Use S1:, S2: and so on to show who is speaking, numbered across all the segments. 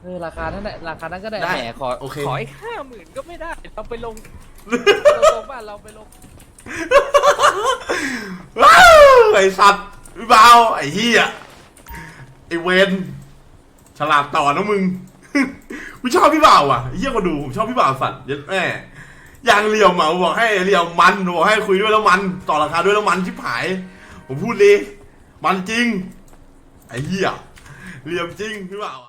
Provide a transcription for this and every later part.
S1: ราคานั้นแหละราคานั้นก็ได้
S2: ได้
S1: แหมขอ
S2: โอเค
S1: ขออีก50,000ก็ไม่ได้เราไปลงตรงบ้านเราไปลง
S2: ว้าวไอ้สัตว์พี่เบาไอ้เหี้ยไอ้เวนฉลาดต่อนะมึง กูชอบพี่บ่าวอ่ะไอ้เหี้ยก็ดูผมชอบพี่บ่าวสัตว์เยัดแม่อย่างเหลี่ยมอ่ะบอกให้เหลี่ยมมันบอกให้คุยด้วยแล้วมันต่อราคาด้วยแล้วมันชิบหายผมพูดเลยมันจริงไอ้เหี้ยเหลี่ยมจริงพี่บ่าว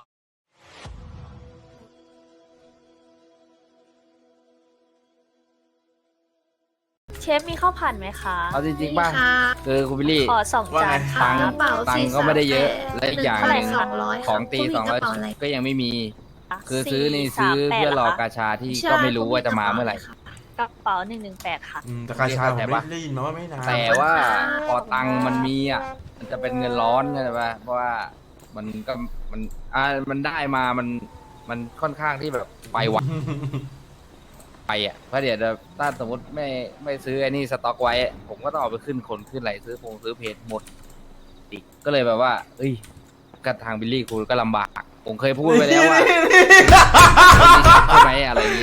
S3: เชฟมีข้าวผัดไหมคะ
S1: เอาจริงๆป่ะคือคุณบิลลี่
S3: ขอ2 จานค่ะ
S1: ตังค์ก็ไม่ได้เยอะและอีกอย่างหนึ่ง
S3: เท่าไหร่คะ
S1: ของตี200ก็ยังไม่มี คือซื้อนี่ซื้อเพื่อรอกาชาที่ก็ไม่รู้ว่าจะมาเมื่อไหร่
S3: กระเป๋า118ค่ะ
S2: แต่กาชาผมได้ยินมาว่าไม่นาน
S1: แต่ว่าพอตังค์มันมีอ่ะมันจะเป็นเงินร้อนใช่ไหมเพราะว่ามันก็มันได้มามันค่อนข้างที่แบบไปไวไปอ่ะเพราะเดี๋ยวถ้าสมมติไม่ซื้อไอ้นี่สต็อกไว้ ผมก็ต้องเอาไปขึ้นคนขึ้นไหลซื้อเพจหมดอีกก็เลยแบบว่า เอ้ยกับทางบิลลี่คุณก็ลำบาก ผมเคยพูดไปแล้วว่าใช่ไหมอะไรอย่างงี้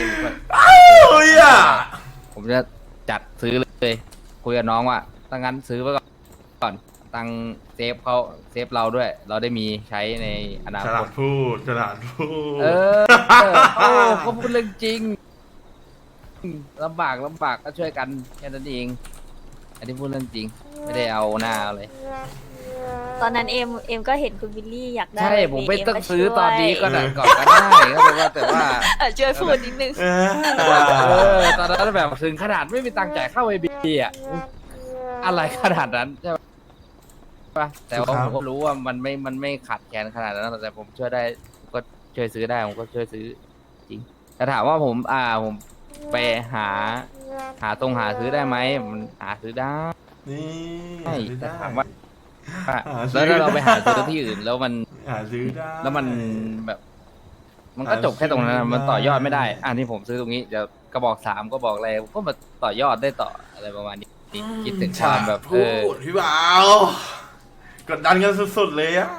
S1: ผมจะจัดซื้อเลยคุยกับน้องว่าถ้างั้นซื้อไว้ก่อนตังเซฟเขาเซฟเราด้วย เราได้มีใช้ในอนา
S2: ฉ
S1: ค
S2: ลา
S1: ต
S2: ดพูดฉลาดพูด
S1: เขาพูดเรื่องจริงลำบากก็ช่วยกันแค่นั้นเอง อันนี้พูดเรื่องจริง ไม่ได้เอาหน้าเลย
S3: ตอนนั้นเอ็มก็เห็นคุณบิลลี่อยากได้
S1: ใช่ผมไม่ต้องซื้อตอนนี้ก็ได้ก่อนก็ได้แต่ว่า
S3: ช่วยพูดนิดนึง
S1: ตอนนั้นแบบถึงขนาดไม่มีตังค์จ่ายเข้าไอบีอ่ะอะไรขนาดนั้นใช่ปะแต่ว่าผมก็รู้ว่ามันไม่ขาดแคลนขนาดนั้นแต่ผมช่วยได้ผมก็ช่วยซื้อได้ผมก็ช่วยซื้อจริงแต่ถามว่าผมไปหาซื้อได้ไหมมันหาซื้อได้
S2: นี่ได้
S1: ถามว่าแล้วถ้าเราไปหาซื้อที่อื่นแล้วมัน
S2: หาซื้อได้
S1: แล้วมันแบบ มันก็จบแค่ตรงนั้นมันต่อยอดไม่ได้อันที่ผมซื้อตรงนี้เดี๋ยวกระบอก3ก็บอกอะไรก็มาต่อยอดได้ต่ออะไรประมาณนี้คิดถึงความแบบ
S2: พูดพี่บ่าวกดดันกันสุดๆเลยอ่ะ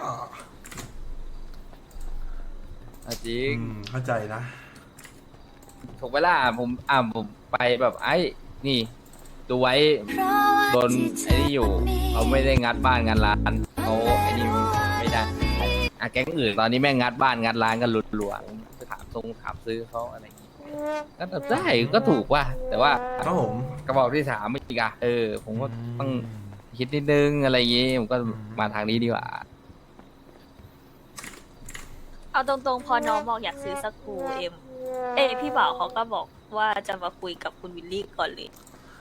S1: จริง
S2: เข้าใจนะ
S1: ถูกเวลาผมไปแบบไอ้นี่ดูไว้โดนไอ้นี่อยู่เขาไม่ได้งัดบ้านงัดร้านเขาไอ้นี่ไม่ได้แก๊งอื่นตอนนี้แม่งงัดบ้านงัดร้านกันหลัวๆไปถามซื้อเขาอะไรอย่างงี้ก็ได้ก็ถูกว่ะแต่ว่า
S2: ครับผม
S1: กระบอกที่3ไม่อีกอะผมก็ต้องคิดนิดนึงอะไรอย่างงี้ผมก็มาทางนี้ดีกว่า
S3: เอาตรงๆพอน้องบอกอยากซื้อสกรูพี่บ่าวเขาก็บอกว่าจะมาคุยกับคุณวิลลี่ก่อนเลย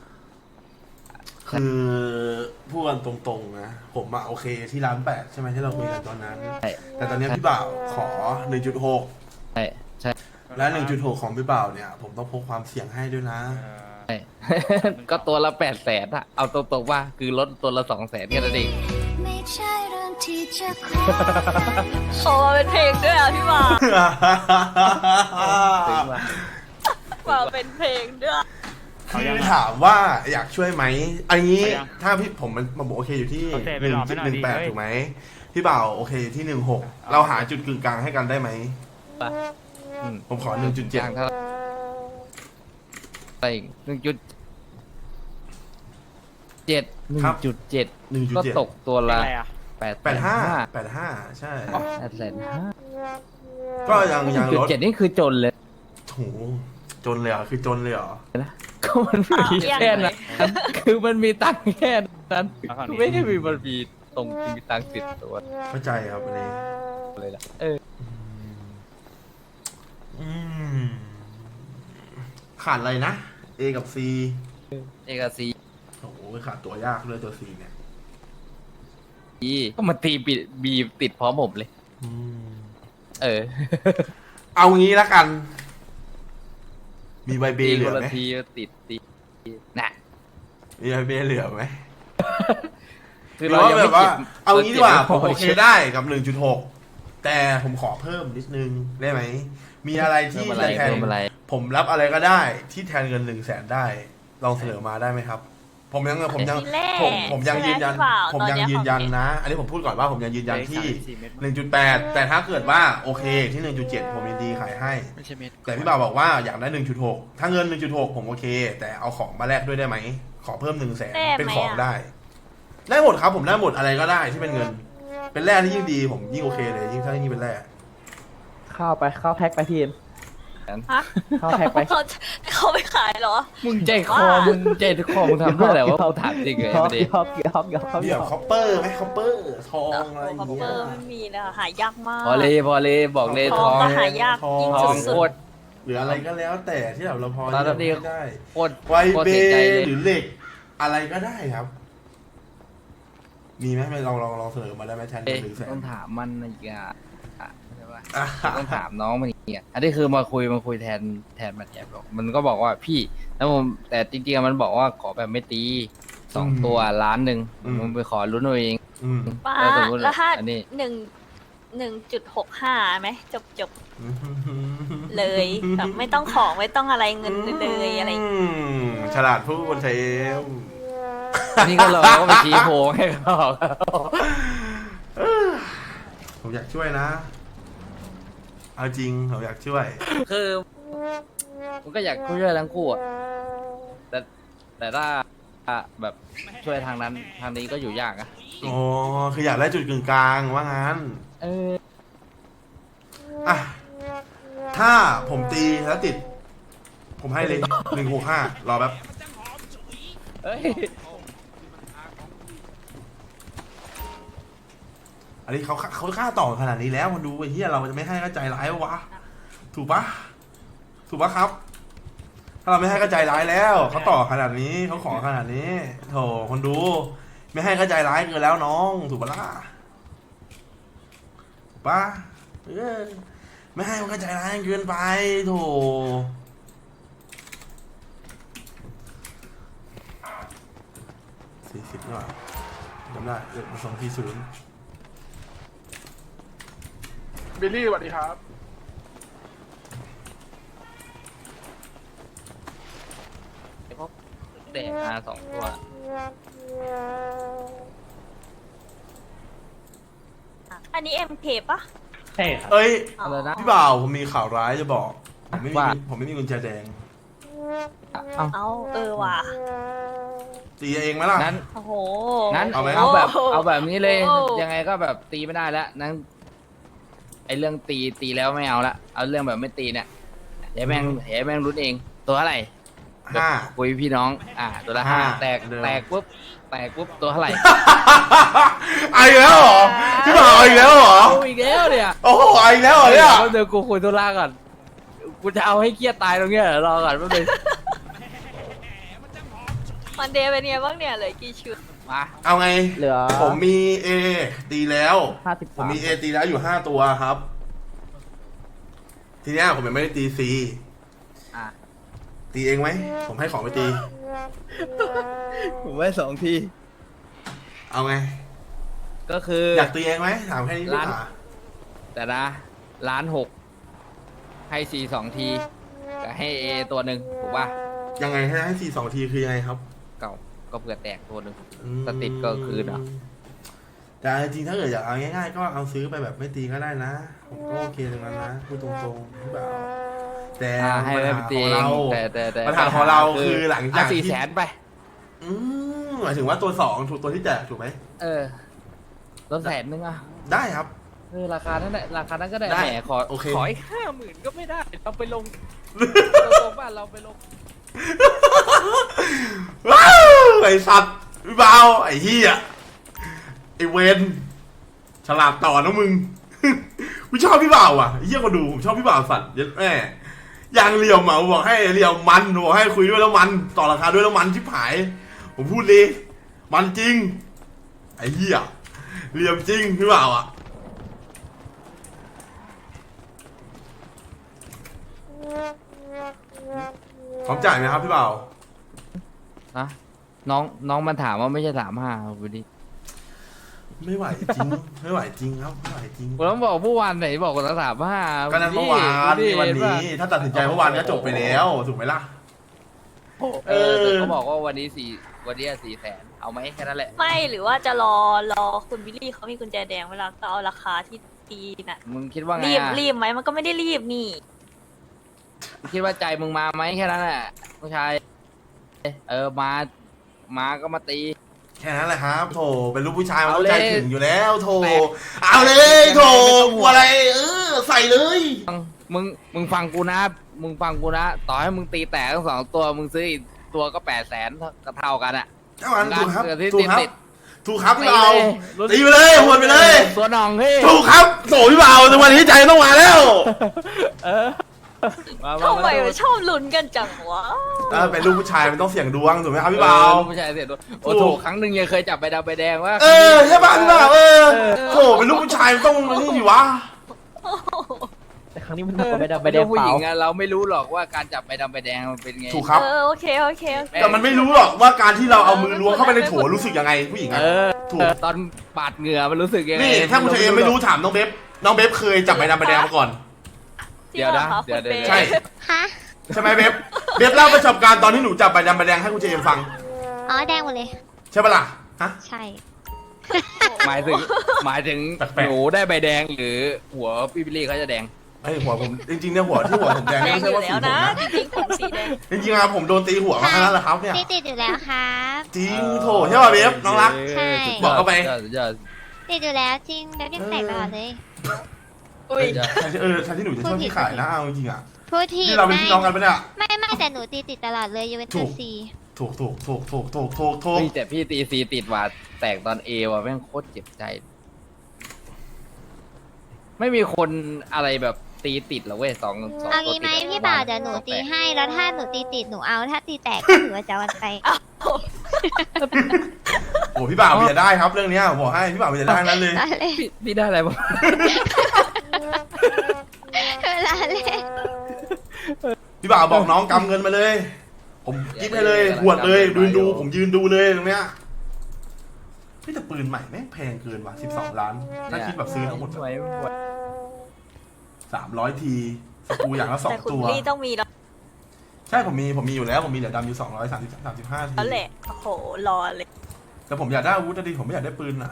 S2: คือพูดกันตรงๆนะผมอะโอเคที่ร้าน8ใช่ไหมที่เราคุยกันตอนนั้น
S1: ใช่
S2: แต่ตอนนี้พี่บ่าวขอ 1.6
S1: ใช่
S2: และ 1.6 ของพี่บ่าวเนี่ยผมต้องพกความเสี่ยงให้ด้วยนะ
S1: ใช่ ก็ตัวละ800,000อะเอาตรงๆว่าคือลดตัวละ200,000แค่นั้นเอง
S3: โอ้เป็นเพลงด้วยอ่ะพี่บ่าว
S1: ถึงว่า
S3: บ่าวเป็นเพลงด้วย
S2: คือถามว่าอยากช่วยไหมอันนี้ถ้าพี่ผมมันบอกโอเคอยู่ที่ 1.18 ถูกไหมพี่บ่าวโอเคอยู่ที่ 1.6 เราหาจุดกึ่งกลางให้กันได้ไหม ผมขอ 1.7
S1: เท่าไหร่1.7ก็ตกตัวละ
S2: 85 ใช่
S1: 800,000
S2: ก็ยังลด
S1: 1.7นี่คือจนเลย
S2: โหจนเลยเหรอคือจนเลยเหรอ
S1: ก็มันมีแค่นั้นคือมันมีตังค์แค่นั้นไม่ได้มีมันมีตรงมีตังค์ติดตัว
S2: เข้าใจครับอันนี้
S1: เลยล่ะ
S2: ขาดอะไรนะ A กับ C
S1: เอกซี
S2: โอ้โหขาดตัวยากเลยตัว C เนี่ย
S1: ก็มาตีบีติดพร้อมผมเลย
S2: เอางี้ละกัน มีใบเบเหลือไหม
S1: ทีติดน่ะ
S2: มีใบเบเหลือไหม
S1: คือเรายังไม่
S2: แบบว่า เอางี้ดีกว่า
S1: เก็บ
S2: ผมโอเคได้กับ 1.6 แต่ผมขอเพิ่มนิดนึงได้ไหม มีอะไรที่จะแทนผมรับอะไรก็ได้ที่แทนเงิน100,000ได้ ลองเสนอมาได้ไหมครับผมยัง
S3: ทีแรก
S2: ผมยัง
S3: ใช่ไห
S2: ยืนยัน
S3: พี่บ่าว
S2: ผม
S3: ตอ
S2: ยัง
S3: เนี้
S2: ยืนยัน
S3: ของ
S2: นะ อันนี้ผมพูดก่อนว่าผมยังยืนยันที่
S4: 4 เม็ด
S2: 1.8 แต่ถ้าเกิดว่าโอเคที่ 1.7 ผมยินดีขายให้
S4: ไม่ใช่เม็ด
S2: แต่พี่บ่าวบอกว่าอยากได้ 1.6 ถ้าเงิน 1.6 ผมโอเค แต่เอาของมาแลกด้วยได้ไหม ขอเพิ่ม 100,000 เป็นของได้ ได้หมดครับผมได้หมดอะไรก็ได้ที่เป็นเงิน เป็นแร่ที่ยิ่งดีผมยิ่งโอเคเลยยิ่งถ้ายิ่งเป็นแร่
S5: เข้าไปเข้าแพ็คไปทีม
S3: ฮะ
S5: เข้าแพ็คไป
S3: เขาไม่ขายเหรอ
S1: มึงใจคอมึงใจคอมึงทำเพื่ออะไรวะกูถามจริงเลย
S5: ยอ
S1: ป
S5: ก
S1: ระเด็น
S5: ยอกยอกยอก
S2: เดี๋ยวคอปเปอร์ไหมคอปเปอร์ทองอะไรอย่าง
S3: คอป
S2: เงี้
S3: เปอย ร์ไม่มีแล้วหายากมาก
S1: พอเลยบอกเลย
S3: ท
S1: ท
S3: อ
S1: อง ง
S3: ก็หายากยิ่ง
S1: ทอง
S3: สุ
S1: โค
S3: ด
S1: ตร
S2: หรืออะไรก็แล้วแต่ที่เราพอ
S1: ตอนนั้น
S2: เลือกไม่ได้
S1: โคตร
S2: ไว
S1: โคตร
S2: เบ
S1: เสียใจเลย
S2: หรือเหล็ก อะไรก็ได้ครับ มีไหมไม่ลองเสนอมาได้ไหมแทน
S1: เอ๊ะ
S2: หรือแสน
S1: ต้องถามมันอีกอ่ะใช่ปะ
S2: อ่ะ
S1: ต้องถามน้องมันอีกอ่ะอันนี้คือมาคุยแทนมาแทนบอกมันก็บอกว่าพี่แล้วผมแต่จริงๆมันบอกว่าขอแบบไม่ตี2 ตัว1,000,000มึงไปขอลุ้นเอาเอง
S2: อืม
S3: ป้า
S1: แล้วสมมุติ
S3: แล้วถ้า
S1: อันนี้
S3: 1.65ไหมจบเลยแบบไม่ต้องของไม่ต้องอะไรเงินเลยอะไรอย่างเงี้ย
S2: ฉลาดพูดเทม
S1: อันนี้ก็เราก็ไปชี้โพงให้เขา
S2: ผมอยากช่วยนะ เอาจริงผมอยากช่วย
S1: คือมันก็อยากช่วยทั้งคู่อะแต่ถ้าแบบช่วยทางนั้นทางนี้ก็อยู่ยากอะ
S2: โอ้คืออยากได้จุดกึ่งกลางว่างั้น
S1: เออ
S2: อ่ะ ถ้าผมตีแล้วติด ผมให้เลย165รอแป๊บ
S1: เอ้ย
S2: อันนี้เขาค่าต่อขนาดนี้แล้วมันดูไอ้เหี้ยเราจะไม่ให้ก็ใจร้ายวะ ถูกปะถูกปะครับ ถ้าเราไม่ให้ก็ใจร้ายแล้วเขาต่อขนาดนี้เขาขอขนาดนี้โถคนดู ไม่ให้ก็ใจร้ายเกินแล้วน้องถูกปะล่ะถูกปะเออไม่ให้มันก็ใจร้ายเกินไปโถ40หน่อยจำได้เด็กมา240
S6: บิลลี่สวัสดีครับ
S1: พวกเด็กมา2 ตัว
S3: อันนี้ MK ปะ
S5: ใช่ครับ
S2: เอ้ย
S1: อะไรนะ
S2: พี่บ่าวผมมีข่าวร้ายจะบอก
S1: ว่า
S2: ผมไม่มีกุญแจแดง
S1: เอ้า
S3: เอาว่ะ
S2: ตีเองไหมล่ะ
S1: นั้น
S3: โอ้โห
S1: นั้น
S2: เอาไหม
S1: เอาแบบนี้เลย
S3: โอ้
S1: ยังไงก็แบบตีไม่ได้แล้วนั้นไอเรื่องตีแล้วไม่เอาละเอาเรื่องแบบไม่ตีเนี่ยเดี๋ยวแม่งรุ้นเองตัวเท่าไหร่
S2: 5
S1: คุยพี่น้องตัวละ
S2: ห้า
S1: 5แตก
S2: เดิม
S1: ปุ๊บตัวเท่าไหร่
S2: เอาอีกแล้วเหรอพี่บ่าวเอาอีกแล้วเหรอ
S1: เอาอีกแล้วเนี่ย
S2: โอ้โหเอาอีกแล้วเหรอเนี่ย
S1: เดี๋ยวกูคุยธุระก่อนกูจะเอาให้เครียดตายตรงเนี้ยรอก่อนแป๊บนึง
S3: มันเดย์เป็นไงบ้างเนี่ยเหลยกี่ชุด
S1: มา
S2: เอาไง
S5: เหลือ
S2: ผมมี A ตีแล้ว
S5: 53
S2: ผมมี A ตีแล้วอยู่5ตัวครับ ทีเนี้ยผมยังไม่ได้ตี C
S1: อ่ะ
S2: ตีเองไหมผมให้ของไปตี
S1: ผมไว้2 ที
S2: เอาไง
S1: ก็คือ
S2: อยากตีเองไหมถามแค่นี้ดีก
S1: ร้าน
S2: ว่า
S1: แต่นะ1,600,000ให้4 2 ทีกับให้ A ตัวหนึ่งถูกป่ะ
S2: ยังไงให้4 2 ทีคือยังไงครับ
S1: เก่าก็เผื่อแตกตัวหนึ่ง
S2: อืม
S1: สติดก็คืนเหรอ
S2: แต่จริงๆถ้าเกิดอยากเอาง่ายๆก็เอาซื้อไปแบบไม่ตีก็ได้นะ ผมก็โอเคตรงนั้นนะพูดตรงๆพี่บ่าวแต่
S1: ให้
S2: ปัญ
S1: ไป
S2: หา
S1: ตี
S2: ของ
S1: เอง
S2: เรา
S1: แต่
S2: ปัญหาของเราคือหลังจาก
S1: 4
S2: ที่
S1: แสนไป
S2: หมายถึงว่าตัว2ถูกตัวที่แจกถูกไหม
S1: เออลด100,000อ่ะ
S2: ได้ครับ
S1: ราคานั้นก็ได้
S2: ได้
S1: แหมขอ
S2: โอเค
S1: ขออีก50,000ก็ไม่ได้เราไปลงตรงบ้านเราไปลง
S2: ว้าวไอสัตว์พี่บ่าวไอเฮียไอเวนฉลาดต่อนะมึง กูชอบพี่บ่าวอ่ะไอ้เฮียคนดูผมชอบพี่บ่าวสัตว์เยัดแม่ยางเหลี่ยมอ่ะผมบอกให้เหลี่ยมมันผมบอกให้คุยด้วยแล้วมันต่อราคาด้วยแล้วมันชิบหาย ผมพูดเลยมันจริงไอเฮียเหลี่ยมจริงพี่บ่าวอ่ะพร้อมจ่ายไหมครับพี่บ่าว
S1: ฮะน้องมันถามว่าไม่ใช่35วันนี้
S2: ไม่ไหวจริง ไม่ไหวจริงครับไม่ไหวจริง
S1: ผมต้องบอกเมื่อวานไหนบอกว่า35
S2: ก็นั้นเมื่อวานนี่วันนี้ ถ้าตัดสินใจเมื่อวานก็จบไปแล้วถูกไหมล่ะ
S1: แต่เขาบอกว่าวันนี้400,000เอาไหมแค่นั้นแหละ
S3: ไม่หรือว่าจะรอคุณวิลลี่เขามีกุญแจแดงเวลาก็เอาราคาที่ตีน่ะ
S1: มึงคิดว่าไง
S3: รีบ
S1: อะ
S3: รีบไหมมันก็ไม่ได้รีบนี่
S1: มึงคิดว่าใจมึงมาไหมแค่นั้นแหละผู้ชายมาก็มาตี
S2: แค่นั้นแหละครับโถเป็นลูกผู้ชายมัน
S1: เอา
S2: ต้อง
S1: เลย
S2: ใจถึงอยู่แล้วโถ
S1: แตก
S2: เอาเลยโถ
S1: ไม่ต้อง
S2: ก
S1: ห่
S2: ลั
S1: ว
S2: ว
S1: ง
S2: อะไรใส่เลย
S1: มึงฟังกูนะต่อให้มึงตีแตกทั้ง2 ตัวมึงซื้ออีกตัวก็800,000ก็เท่ากันอะ
S2: เจ้าอันถูกครับ
S1: งานเกิดที่
S2: ถูกครับ
S1: ติด
S2: ถูกครับ
S1: ตี
S2: พี่เบา
S1: เลย
S2: ตีไปเลยหวนไปเลย
S1: ตัวหน่องเฮ้ย
S2: ถูกครับโถพี่เบาในวันนี้ใจต้องมาแล้ว
S3: ทำไมมันชอบลุ้นกันจังวะ
S2: เป็นลูกผู้ชายมันต้องเสี่ยงดวงถูกไหมครับพี่เบา
S1: ผู้ชายเสร็จโอ้
S2: ถู
S1: โห
S2: ก
S1: ครั้งหนึ่งยังเคยจับใบดำใบแดงว่า
S2: ใช่ป่ะพี่เบาโถเป็นลูกผู้ชายมันต้องนี่ดิวะ
S5: แต่ครั้งนี้มันหนักกว่าใบดำใบแดง
S1: ผู้
S5: เป
S1: ห
S5: ล่า
S1: ญิงอะเราไม่รู้หรอกว่าการจับใบดำใบแดงมันเป็นไง
S2: ถูกครับ
S3: โอเค
S2: แต่มันไม่รู้หรอกว่าการที่เราเอามือล้วงเข้าไปในโถรู้สึกยังไงผู้หญิงอะถูก
S1: ตอนปาดเหงื่อมันรู้สึกยังไง
S2: นี่ถ้าคุณเชมไม่รู้ถามน้องเบฟเคยจับใบดำใบแดงมาก่อน
S3: จริงเหรอคะคุณเบส
S2: ใช่
S4: ฮะ
S2: ใช่ไหมเบฟเล่าประสบการณ์ตอนที่หนูจับใบดำใบแดงให้คุณเจมฟัง
S4: อ๋อแดงหมดเลย
S2: ใช่ปะล่ะฮะ
S4: ใช่
S1: หมายถึง
S2: แปลกๆ
S1: หนูได้ใบแดงหรือหัวพี่บิลลี่เขาจะแดง
S2: ไอยหัวผมจริงๆเนี่ยหัวผมแดง
S3: แด
S2: ไม่
S3: งอ
S2: ใช่
S3: ยู่
S2: ว่าสี
S3: แล้ว
S2: ผม
S3: นะ
S2: นะ
S3: จริงๆผมสีแดง
S2: จริงๆอะผมโดนตีหัวมาแค่นั้นแหละครับเนี่ย
S4: ติดอยู่แล้วครับ
S2: จริงโถใช่ป่ะเบฟน้องรัก
S4: ใช่
S2: บอกเข้าไป
S1: สุดยอด
S4: ติดอยู่แล้วจริงแบบยังแตกตลอดเลย
S3: อุ้ย
S2: แทนที่หนูจะชอบที่ขายนะเอาจริงๆอะ
S4: พูดที
S2: นี่เราเป็นพี่น้องกันปะเนี่ย
S4: ไม่แต่หนูตีติดตลอดเลยยูเวน
S2: ถู
S4: ตุ
S2: ก
S4: สซี
S2: ถูก
S1: เฮ้ยแต่พี่ตีซีติดว่าแตกตอนเอว่ะแม่งโคตรเจ็บใจ ไม่มีคนอะไรแบบตีติดหรอเว้ยสอง
S4: เอางี้ไหมพี่บ่าวเดี๋ยวหนูตีให้แล้วถ้าหนูตีติดหนูเอาถ้าตีแตกก็ถือว่าจะวันไป
S2: โอ้พี่บ่าวมีจะได้ครับเรื่องเนี้ยผมบอกให้พี่บ่าวมีจะได้นั้นเลย
S4: ได้เลย
S1: พี่ได้อะไรบ้าง
S4: ได้เลย
S2: พี่บ่าวบอกน้องกำเงินมาเลย ผมกิ๊บให้เลยหวดเลยดูผมยืนดูเลยตรงเนี้ยพี่แต่ปืนใหม่แม่งแพงเกินว่ะ12 ล้านถ้าคิดแบบซื้อทั้งหมด
S1: ไม่ไหว
S2: 300 ทีสกรูอย่างละ
S3: แต่
S2: 2
S3: คุณ
S2: ตัว
S3: วิลลี่ต้องมีแล้ว
S2: ใช่ผมมีอยู่แล้วผมมีเหลือดำอยู่235 ที
S3: แหละโอ้โหรอเลย
S2: แต่ผมอยากได้อาวุธนะดิผมไม่อยากได้ปืนอ่ะ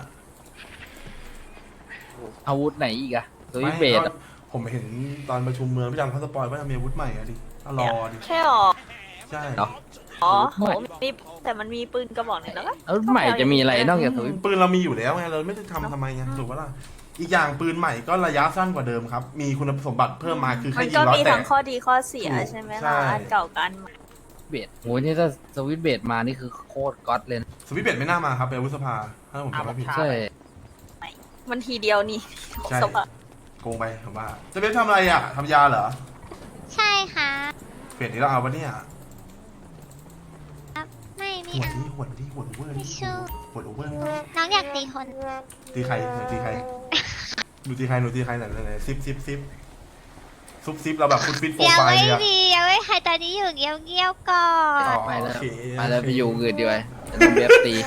S1: อาวุธไหนอีกอะสวิตช์เบส
S2: ไม่ก็ผมเห็นตอนประชุมเมืองพี่ดำเขาสปอยว่าจะมีอาวุธใหม่อะดิก็รอดิ
S3: ใช่หรอ
S2: ใช่
S1: เนาะ
S3: อ๋อโหมีแต่มันมีปืนกระบอกหนึ่งแล้วก็
S1: แล้วใหม่จะมีอะไรนอกจากสวิตช์
S2: ปืนเรามีอยู่แล้วไงเราไม่ได้ทำไงถูกปะล่ะอีกอย่างปืนใหม่ก็ระยะสั้นกว่าเดิมครับ มีคุณสมบัติเพิ่มมาคือ
S3: มั
S2: แค่
S3: น
S2: ยิ
S3: ก็
S2: งร้อย
S3: มี
S2: แต
S3: ทั้
S2: ก
S3: งข้อดีข้อเสีย
S2: ถูก
S3: ใช่ไหม
S2: ใช่
S3: ล่ะอันเก่ากันใหม่
S1: เบสโหนี่ถ้าสวิตช์เบสมานี่คือโคตรก๊อตเลยนะ
S2: สวิตช์เบดไม่น่ามาครับเป็นอาวุธสภาถ้าผมจำไม่ผิด
S1: ใช่
S3: มันทีเดียวนี่
S2: ใช่
S3: สบาย
S2: โกงไปผมว่าจะเป็นทำอะไรอ่ะทำยาเหรอ
S4: ใช่ค่ะ
S2: เปลี่ยนนี้เราเอาปะเนี่ย
S4: ไม่มี
S2: หวด
S4: เอา
S2: ที่หวดที่หวดโอเวอร์
S4: ไม่
S2: นี่
S4: ชอบ
S2: หวดโอเวอร์
S4: น้องอยากตีคน
S2: ตีใครหนูตีใครหนูตีใครไหนซิปซุปเราแบบฟุตฟิตโปร
S4: ยัง
S2: ไฟล์
S4: ไม่
S2: เนี่ย
S4: มียังไม่ใครตอนนี้อยู่เงี้ยวๆก่อน
S2: อ๋อ
S1: ไปแล้ว
S2: โอเค
S1: ไปแล้วไปอยู่อื่นดีกว่าจะต้องเบฟตี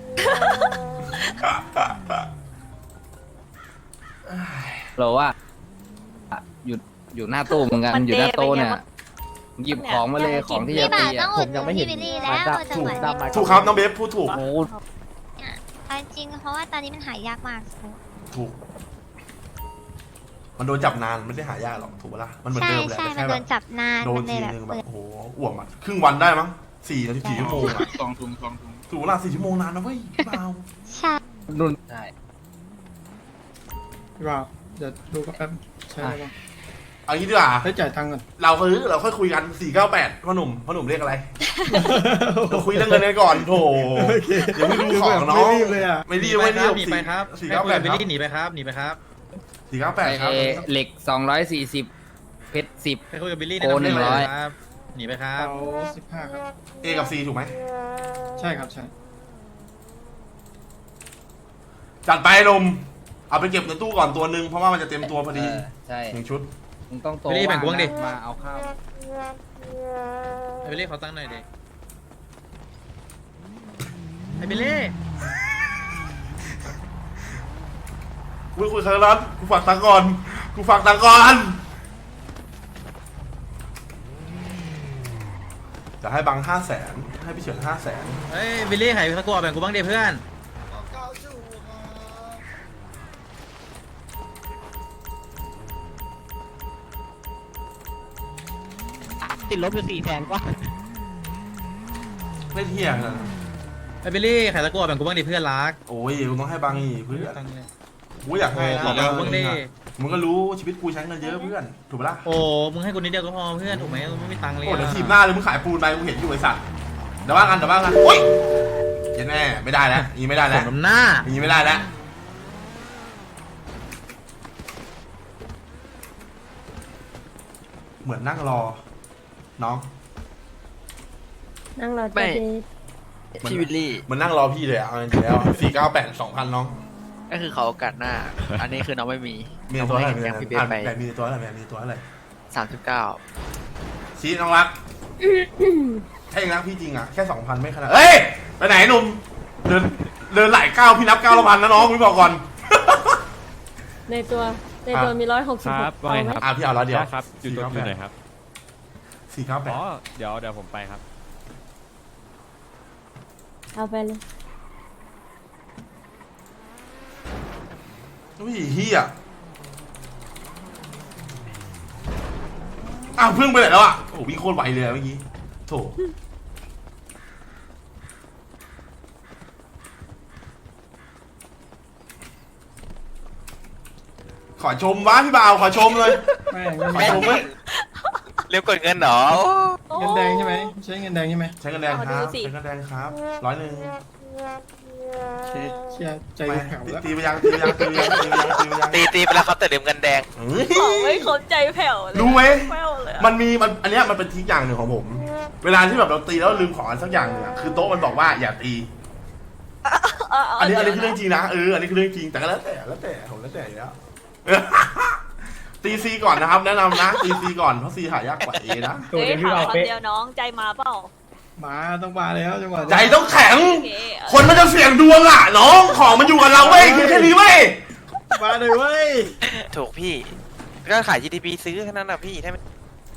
S1: เราว่าอยู่หน้าตู้เหมือนกันอยู่หน้าโต๊ะเนี่ยหยิบของมาเลยของที่
S4: พี่
S1: จะ
S4: บ่า
S1: ตี
S4: วต้อ
S1: อ่ะ
S4: งอุดหนุนพี่วิลลี่แล้วจังหวะ
S5: ดำมา
S2: ถูกครับน้องเบฟพูดถูก
S1: โอ้
S4: เอาจริงเพราะว่าตอนนี้มันหายากมาก
S2: ถูก มันโดนจับนานไม่ได้หายากหรอกถูกปะล่ะมันเหมือน
S4: ใช่
S2: เดิมแหละ
S4: ใช่
S2: แต่
S4: มัน
S2: แค่
S4: โด
S2: แบบ
S4: นจับนาน
S2: โดน
S4: มันเล
S2: ที
S4: ยแบบ
S2: นึงแบบโอ้โหอ้วมอ่ะครึ่งวันได้มั้ง4 นาที4 ชั่วโมงอ่ะ
S6: สองถุง
S2: ถูกปะล่ะ4 ชั่วโมงนานนะเว้ยพี่เบา
S4: ใช่
S1: นุ่นใช่
S7: พี่บ่าวเดี๋ยวดูก็แป๊บใช่ไหมบ้าง
S2: เอางี้ดีกว่า
S7: ให้จ่ายตังค์ก่อน
S2: เราค่อยคุยกัน498พ่อหนุ่มเรียกอะไรเราคุยเรื่องเงินกันก่อนโถเดี๋ยวไม่ดูของน้อง
S7: ไม่รีบเลยอ่ะ
S2: ไม่รีบ
S8: หนีไปครับ
S2: 498
S8: ให้
S2: ค
S8: คุยกับบิล
S2: รับ
S8: ลี่หนีไปครับหนีไปครับ
S2: 498ครับ
S1: เหล็ก240เพชร10
S8: ให้คุยกับบิลลี่
S1: โอ้
S8: แนะนำให้
S1: 100
S8: เลยครับหนีไปครับ
S7: เอา15ครับ
S2: A กับ C ถูกไหม
S7: ใช่ครับใช่
S2: จัดไปนมเอาไปเก็บในตู้ก่อนตัวหนึ่งเพราะว่ามันจะเต็มตัวพอดี
S1: ใช่
S2: 1 ชุด
S1: มึงต้องโต
S8: บิลลี่แบ่งกูบ้างดิ
S1: มาเอาข้าว
S8: ให้บิลลี่เขาตั้งหน่อยดิให้บิลลี่
S2: คุยครั้งนั้นกูฝากตังค์ก่อนจัแต่ให้บัง500,000ให้พี่เฉิน500,000
S8: เฮ้ยบิลลี่ไข่ตะกัวแบ่งกูบ้างดิเพื่อน
S5: ติดลบอยู่400,000กว่า
S2: ไม่เที่ยงนะ
S8: ไอ้บิลลี่ไข่ตะกัวแบ่งกูบ้างดิเพื่อนรัก
S2: โอ้ยกูต้องให้บังอีกเพื่อน
S8: ตังค์เลย
S2: กูอยากให้
S8: ขอแบ่งกูบ้างดิ
S2: มึงก็รู้ชีวิตกูใช้เงินเยอะเพื่อนถูกปะล่ะ
S8: โอ้มึงให้กูนิดเดียวก็พอเพื่อนถูกไหมกูไม่มีตังค์เลย
S2: โอ้เดี๋ยว
S8: อะ
S2: ทีมหน้าเลยมึงขายปูนไปกูเห็นอยู่ไอ้สัตว์เดี๋ยวว่ากันโอ้ยเย็นแน่ไม่ได้แล้วอย่างนี้ไม่ได้
S8: ส
S2: แล้ว
S8: มน้ำหน้า
S2: อย่างนี้ไม่ได้แล้วเหมือนนั่งรอน้อง
S9: นั่งรอ
S10: ไม่
S9: เจ๊
S10: พี่วิลลี่
S2: เหมันนั่งรอพี่เลยอ่ะเอาจริงๆแล้ว498 2,000น้อง
S10: ก็คือเขาโอกาสหน้า อันนี้คือน้องไม่มี
S2: มีตัวอะไร
S10: น้องให้แกงพี่เบสไป
S2: มีตัวอะไรมีตัวอะไร
S10: 39
S2: ชี้น้องรักถ้าเองรักพี่จริงอ่ะแค่ 2,000ไม่ขนาดเอ้ยไปไหนหนุ่มเดินหลายก้าวพี่นับก้าวละพันนะน้องพี่บอกก่อน
S9: ในตัวมี166เอาไหม
S2: พี่เอาแล้วเดี๋ยว
S11: ครับอยู่ตรงไหนครับ
S2: 498
S11: อ๋อ เดี๋ยวผมไปครับ
S9: เอาไปเลย
S2: อุ้ยเฮียอ้าวเพิ่งไปไหนแล้วอ่ะโอ้วิ่งโคตรไวเลยอะเมื่อกี้โถขอชมวะพี่บ่าวขอชมเลย
S7: ไม่
S2: ขอชมเว้ย
S10: เรียบกดเงินเหรอ
S7: เงินแดงใช่ไหมใช้เงินแดงใช่ไหม
S2: ใช้เงินแดงครับใช้เงินแดงครับ100
S7: เชียใจแผ่วแล้ว
S2: ตีไปยังตีไปยังตีไปยังตีไปยังตีไปยัง
S10: ตีไปแล้วเขาแต่ลืมเงินแดง
S2: เฮ้ย
S3: บอกไม่ครบใจแผ่วเลย
S2: รู้ไหม
S3: แผ่วเลยอะ
S2: มันอันเนี้ยมันเป็นทริคอย่างหนึ่งของผม เวลาที่แบบเราตีแล้วลืมของอะไรสักอย่างหนึ่งอะคือโต๊ะมันบอกว่าอย่าตี อันนี้คือเรื่องจริงนะอันนี้คือเรื่องจริงแต่ก็แล้วแต่ผมแล้วแต่อยู่แล้ว ตีซีก่อนนะครับ แนะนำนะตีซีก่อนเพราะซีหายากกว่าเอนะ
S3: เฮ้ยถามคำเดียวน้องใจมาเปล่า
S7: มาต้องมาแล้วจังหวะ
S2: ใจต้องแข็ง
S3: โอเค
S2: คนมันจะเสี่ยงดวงอ่ะน้องของมันอยู่กับเราเว้ยคือแค่นี้เว้ย
S7: มาเลยเว้ย
S10: ถูกพี่ ก็ขาย GTP ซื้อแค่นั้นนะพี่ถ้าไม่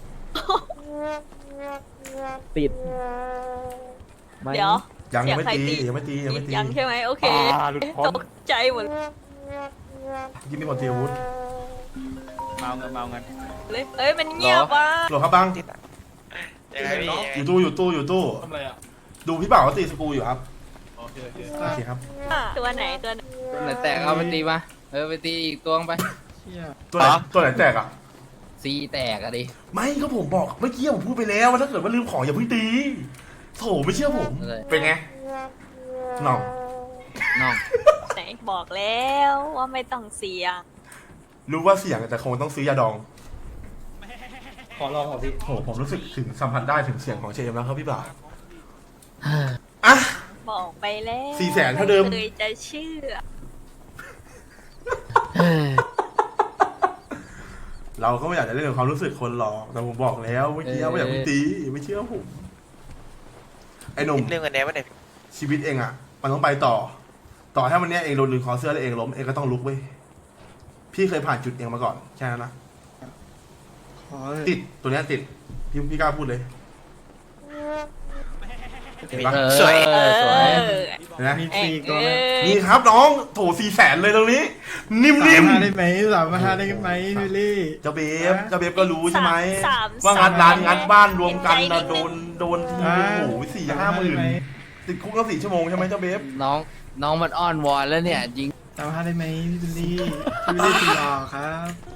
S5: ติดไหม
S3: เดี๋ยว
S2: ยังไม่ตี
S3: เสียงใคร
S2: ยังไม่ตียังไม่ตี
S3: ยังใช่ไหมโอเค
S11: หลุดพ้น
S3: ตกใจหมด
S2: ยิ่งมีคนตีอาวุธ
S11: เมาเงิน
S3: เลยเอ้ยมันเงียบว่ะ
S2: หลบครับบัง
S10: ยังไงพี่
S2: อยู่ตู้
S6: ทำอะไรอ่ะ
S2: ดูพี่บ่าวเขาตีสกรูอยู่ครับ
S6: โอเค
S2: โอเคครับ
S3: ตัวไหนตัวไหน
S1: ตัวไหนแตกเอาไปตีมาไปตีอีกตัวไป
S7: เชี่ย
S2: ตัวไหนแตกอ่ะ
S1: ซีแตกอะดิ
S2: ไม่ก็ผมบอกเมื่อกี้ผมพูดไปแล้วว่าถ้าเกิดว่าลืมของอย่าเพิ่งตีโถไม่เชื่อผม เป็นไงหน่อง
S1: น้อง
S3: ไหนบอกแล้วว่าไม่ต้องเสียง
S2: รู้ว่าเสี่ยงแต่คงต้องซื้อยาดอง
S7: ขอลองก่อนพี่
S2: โหผมรู้สึกถึงสัมผัสได้ถึงเสียงของเชมแล้วครับพี่บ่าวอ่ะ
S3: บอกไปแล้ว
S2: 400,000เท่าเดิม
S3: เคยจะเชื่อ
S2: เราก็ไม่อยากจะเล่นกับความรู้สึกคนหรอกแต่ผมบอกแล้วเมื่อกี้ว่าอย่าเพิ่งตีไม่เชื่อผมไอ้หนุ่ม
S10: เรื่องเงินแดงไม่ได้
S2: ชีวิตเองอ่ะ มันต้องไปต่อถ้าวันเนี้ยเองโดนลืมคอเสื้อแล้วเองล้มเองก็ต้องลุกเว้ยพี่เคยผ่านจุดเองมาก่อนแค่นั้นนะ
S7: ขอเลย
S2: ติดตัวเนี้ยติดพี่กล้าพูดเลยเห็นปะ
S10: สวย
S1: สวย
S2: เห็นไหม
S7: มีฟรีก่อนนะ
S2: นี่ครับน้องโถ400,000เลยตรงนี้ นิ่
S7: สาม
S2: ม
S7: ห้าได้ไหม3,500ได้ไหมวิลลี่
S2: ๆเจ้าเบฟก็รู้ใช่ไหม
S3: สาม
S2: ว่างัดร้านงัดบ้านรวมกัน
S3: เห็นใจ
S2: นะ
S3: นิดนึง
S2: โดนทีโอ้โห4-5 หมื่นติดคุกก็4 ชั่วโมงใช่ไหมเจ้าเบฟ
S1: น้องมันอ้อนวอนแล้วเนี่ยจริง
S7: 3,500ได้ไหมพี่วิลลี่พี่วิลลี่ตีหล่อครับ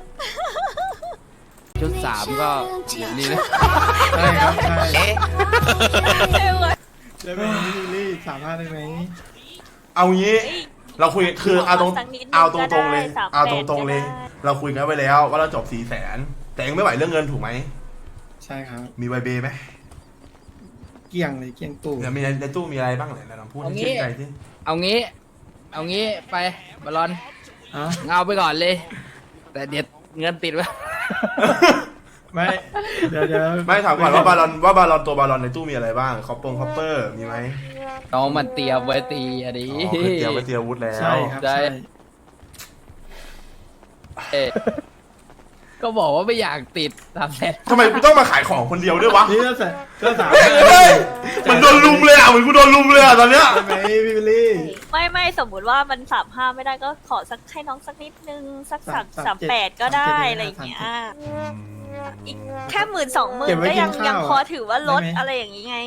S1: ชุด3ก็อยู่นี่นะ
S7: ใช่ครับใช่
S10: เอ๊ะ
S3: เอ้ยว่ะ
S7: ได้ไหมพี่วิลลี่3,500ได้ไหม
S2: เอางี้เราคุยคือเอาตรง
S3: สักนิดนึง
S2: เอาตรงๆเลย
S3: ก็ได้
S2: เอาตรงๆเลย
S3: ก็ได้
S2: เราคุยกันไว้แล้วว่าเราจบ400,000แต่เองไม่ไหวเรื่องเงินถูกไหม
S7: ใช่ครับ
S2: มีไวเบไหม
S7: เกี่ยงเลยเกี่ยงตู่
S2: เนี่ยมีในตู้มีอะไรบ้างไหนลองพูดให้ชื่นใจสิ
S1: เอางี้ไปบอลลอน
S7: อ่ะ
S1: เงาไปก่อนเลย แต่เดี๋ยวเงินติดไว้
S7: ไม่เดี๋ยว
S2: ไม่ถามก่อนว่าบาลอนตัวบาลอนในตู้มีอะไรบ้างคอปเปอร์มีไหม
S1: น้องมันเตรียมไว้ตีอะดิ
S2: อ๋อคือเตรียมไว้เตรียมอาวุธแล้ว
S7: ใช่ครับใช่
S1: เอ๊ะก็บอกว่าไม่อยากติด300,000
S2: ทำไมกูต้องมาขายของคนเดียวด้วยวะ
S7: นี่ก็สาม
S2: เฮ้ยมันโดนลุมเลยอ่ะเหมือนกูโดนลุมเลยอ่ะตอนเนี้ย
S7: ใช่ไหมพี่บิลลี่
S3: ไม่สมมุติว่ามัน35ไม่ได้ก็ขอสักให้น้องสักนิดนึงสัก38ก็ได้อะไรอย่างเงี้ยอีกแค่10,000-20,000ก็ยังพอถือว่าลดอะไรอย่างงี้ไง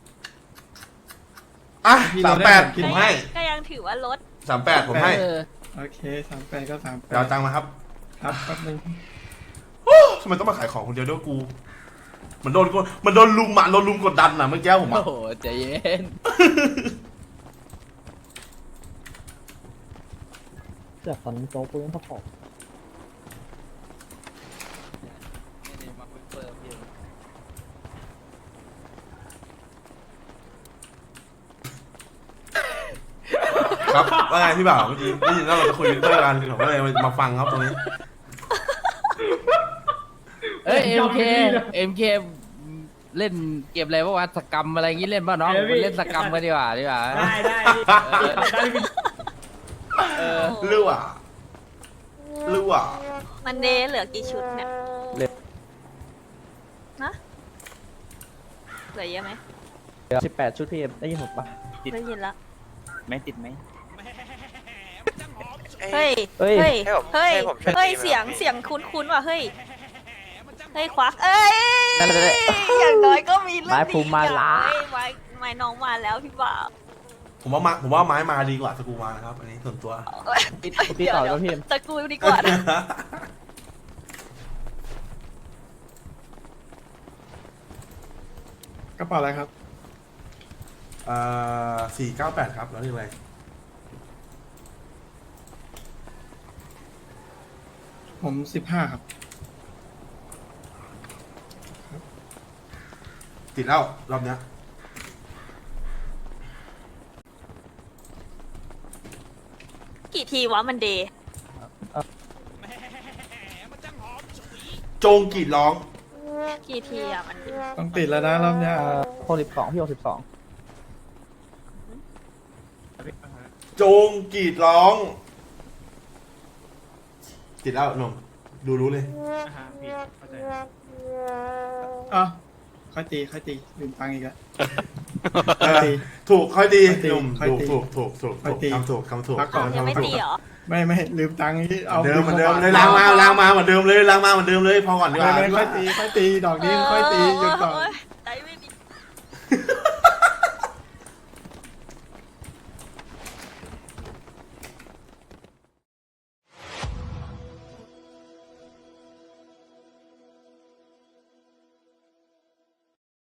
S2: อ่ะ38ผมให้
S3: ก็ยังถือว่าลด
S2: 38ผมให้
S7: โอเค38ก็38
S2: เดี๋ยวเอาตังค์มาครับ
S7: ครับแป๊บนึง
S2: โอ้ทำไมต้องมาขายของคนเดียวด้วยกูมันโดนลุมอ่ะโดนลุมกดดันอ่ะเมื่อกี้ผม
S1: โอ้
S2: อ่ะ
S1: โหใจเย็น
S5: เสือกตอนโจ๊กกูยังพอ
S2: ครับว่าไงพี่บ่าวเมื่อกี้ได้ยินว่าเราจะคุยวินเตอร์กันผมก็เลยมาฟังครับตรงนี้
S1: เอ้ย MK เล่นเกมอะไรวะสกรรมอะไรงี้เล่นป่ะน้องเล่นสกรรมกันดีกว่า
S9: ได้
S2: เลือว่ะ
S3: มันเดย์เหลือกี่ชุดเนี่ยนะเหลือเยอะไหม
S5: 18 ชุดพี่ได้ยินผมปะ
S3: ได้ยินละ
S11: ไม่ติดไหม
S3: เฮ้ย
S5: เฮ้ย
S3: เฮ้ย
S10: ให้ผม
S3: เฮ้ย
S10: ให้ผมช่วย
S3: เฮ้ย
S10: ตีไหม
S3: เสียงคุ้นๆว่ะเฮ้ยเฮ้ยควักเอ้ย
S5: นั่นแหละ
S3: อย่างน้อยก็มีเรื่อง
S5: ไม้
S3: ดี
S5: ภูมิมาละ
S3: เฮ้ยไม้น้องมาแล้วพี่บ่าว
S2: ผมว่าไม้มาดีกว่าสกูมานะครับ อันนี้ส่วนตัว
S5: พี่ต่อแล้วพี่
S3: ตะกูดีกว่านะ
S7: กระเป๋าอะไรครับ
S2: 498ครับแล้วนี่อะไร
S7: ผม15ครับ
S2: ติดแล้วรอบเนี้ย
S3: กี่ทีวะมันเดย์
S2: โจงกรีดร้อง
S3: กี่ทีอะมันเดย์
S7: ต้องติดแล้วนะรอบเนี้ย
S5: 62พี่62
S2: โจงกรีดร้อง ติดแล้วหนุ่มดูรู้เลย
S7: อ่ะค่อยตีลืมตังค์อีกแล้ว
S2: ถูกค่อยดี
S7: ค่อยตี
S2: หนุ่ม
S7: ค่อยตี
S2: ถูก
S7: ค่อยตี
S2: คำถูก
S7: พักก่อน
S3: ยังไม่ตีเหรอ
S7: ไม่ลืมตังค์ที่เอา
S2: เหมือนเดิมเลยล้างมาเหมือนเดิมเลยพอก่อนดีกว่า
S7: ไม่ค่อยตีดอกนี้ค่อยตีหยุดก่อน
S3: โ